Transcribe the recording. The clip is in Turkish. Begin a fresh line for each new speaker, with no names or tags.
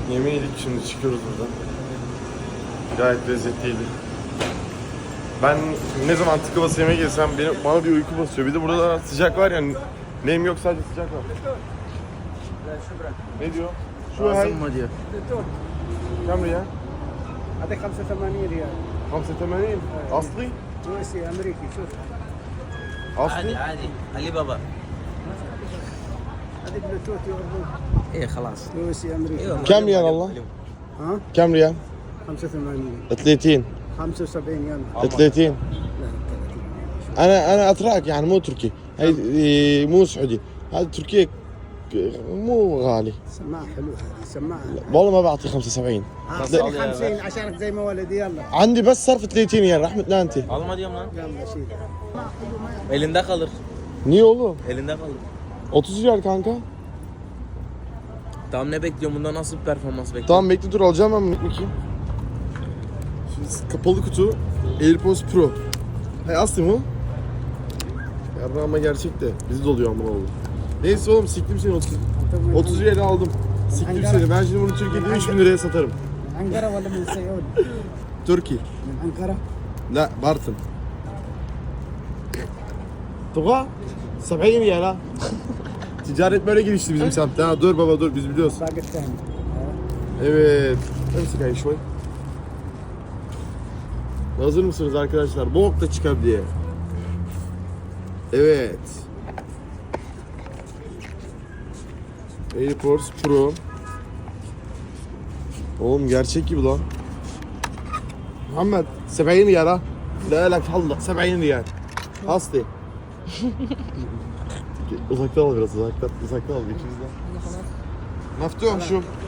Yemeği yedik, şimdi çıkıyoruz buradan. Gayet lezzetliydi. Ben ne zaman tıka basa yemeğe gelsem bana bir uyku basıyor. Bir de burada sıcak var yani. Nem yok, sadece sıcak var. Ne diyor? Şu hay.
mı diyor?
Kam riyal?
هذا 85 ريال
85. Aslı?
روسي امريكي شوف
Aslı?
عادي علي بابا.
هذا بلوتوث يعرضون
ايه خلاص.
روسي امريكي
كم ريال الله؟
ها
كم ريال؟
85
30.
75 يلا
30. انا اتراك يعني مو تركي. هي مو سعودي. هذه تركيا مو غالي.
سماعه حلوه هذه سماعه
والله ما بعطي 75.
اعطيني 50 عشانك زي ما ولدي يلا
عندي بس صرف 30 ريال رحمة انت.
Alma diyorum lan.
يلا شيل
Elinde kalır.
Niye oğlum?
Elinde kalır.
30 riyal kanka.
Tamam ne bekliyorum? Bunda nasıl bir performans bekliyorum?
Tamam bekle dur alacağım ben bakayım. Şimdi kapalı kutu AirPods Pro. Hey Aslı mı? Ya ama gerçek de bizi doluyor amına oğlum. Neyse oğlum siktim seni 30 riyal aldım. Siktim seni. Ben şimdi bunu Türkiye'de 3000 liraya satarım.
انقره ولا من سيئون؟
Türkiye.
من انقره
La Bartın. Tuğa 70 riyal ha. Ticaret böyle gelişti bizim semtte ha. Dur baba dur biz biliyoruz.
باقي الثاني
Evet. Hepsi kayış var. Hazır mısınız arkadaşlar? Bok da çıkar diye. Evet. AirPods Pro. Oğlum gerçek gibi lan. Muhammed 70 riyal ha. La la Allah 70 riyal. Hasti. Uzaktan al biraz uzaktan. Uzaktan al ikimizden. Meftuh şu.